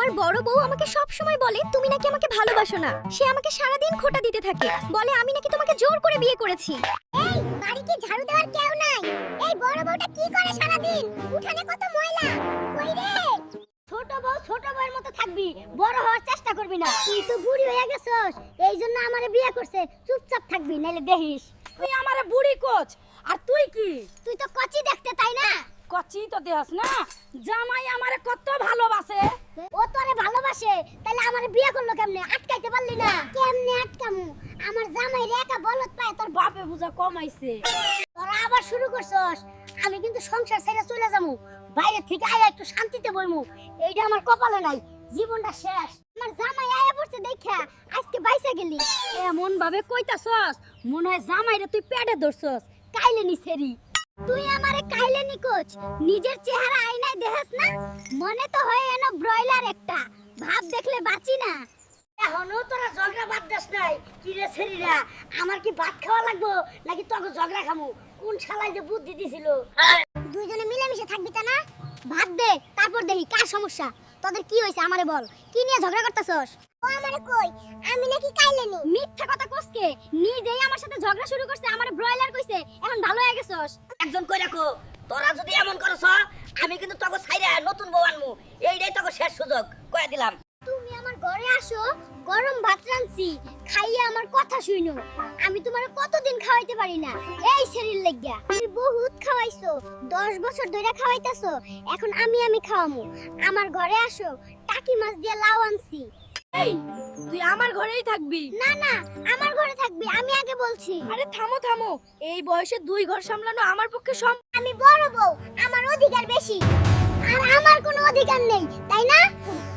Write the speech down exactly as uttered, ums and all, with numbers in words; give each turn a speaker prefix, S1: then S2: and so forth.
S1: আমার বড় বউ আমাকে সব সময় বলে তুমি নাকি আমাকে ভালোবাসো না। সে আমাকে সারা দিন খোঁটা দিতে থাকে, বলে আমি নাকি তোমাকে জোর করে বিয়ে করেছি।
S2: এই বাড়িতে ঝাড়ু দেওয়ার কেউ নাই? এই বড় বউটা কি করে সারা দিন? উঠানে কত ময়লা। কই রে? ছোট বউ ছোট বউয়ের মতো থাকবি, বড় হওয়ার চেষ্টা করবি না। তুই তো বুড়ি হয়ে গেছস, এইজন্য আমারে বিয়ে করছে। চুপচাপ থাকবি, নাইলে দেখিস।
S3: তুই আমারে বুড়ি কোচ, আর তুই কি?
S2: তুই তো কচি দেখতে, তাই না?
S3: কচি তো দেহস না। জামাই আমারে কত ভালোবাসে।
S2: ও তোরে ভালোবাসে, তাহলে আমারে বিয়ে করলো কেমনে? আটকাইতে পারলি না? কেমনে আটকামু? আমার জামাই রে একা বলত পায়, তোর
S3: বাপে বুঝা কমাইছে।
S2: তোরা আবার শুরু করছস। আমি কিন্তু সংসার ছেড়ে চলে যামু, বাইরে থেকে আয়া একটু শান্তিতে বইমু। এইটা আমার কপালে নাই, জীবনটা শেষ। আমার জামাই আয়া পড়ছে দেখা আজকে বাইসা গেলি।
S3: এমন ভাবে কইতাছস মনে হয় জামাইরে তুই পেটে ধরছস। কাইলে নিছেরি
S2: তুই আমারে কাইলে নিকোচ, নিজের চেহারা আয়নায় দেখাস না? মনে তো হয় এনো ব্রয়লার একটা, ভাব দেখলে বাঁচি না।
S3: এখনো তোরা ঝগড়া বাদ দাস নাই। কি রে ছেড়িরা, আমার কি ভাত খাওয়া লাগবো নাকি তোকে ঝগড়া খামু? কোন শালাই যে বুদ্ধি দিছিল?
S2: দুইজনে মিলেমিশে থাকবি তা না? ভাত দে, তারপর দেখি কার সমস্যা। তোদের কি হইছে আমারে বল, কি নিয়ে ঝগড়া করতেছস? ও আমারে কই, আমি নাকি কাইলে নি?
S1: মিথ্যা কথা কসকে, নিজেই আমার সাথে ঝগড়া শুরু করছে, আমারে ব্রয়লার কইছে, এখন ভালো হয়ে গেছস।
S3: একজন কই রাখো, তোরা যদি এমন করছ আমি কিন্তু তোকে ছাইরা নতুন বউ আনমু। এইটাই তোকে শেষ সুযোগ কইয়া দিলাম।
S2: তুমি আমার ঘরে আসো, গরম ভাত রাঁধছি, খাইয়া আমার কথা শুইনো। আমি তোমারে কতদিন খাওয়াইতে পারি না, এই শরীর লাগিয়া। তুমি বহুত খাওয়াইছো, দশ বছর ধরে খাওয়াইতাছো, এখন আমি আমি খাওয়ামু। আমার ঘরে আসো, টাকি মাছ দিয়ে লাউ আনছি।
S1: এই তুই আমার ঘরেই থাকবি?
S2: না না, আমার ঘরে থাকবি, আমি আগে বলছি।
S1: আরে থামো থামো, এই বয়সে দুই ঘর সামলানো আমার পক্ষে সম
S2: আমি বড় বউ, আমার অধিকার বেশি। আর আমার কোনো অধিকার নেই, তাই না?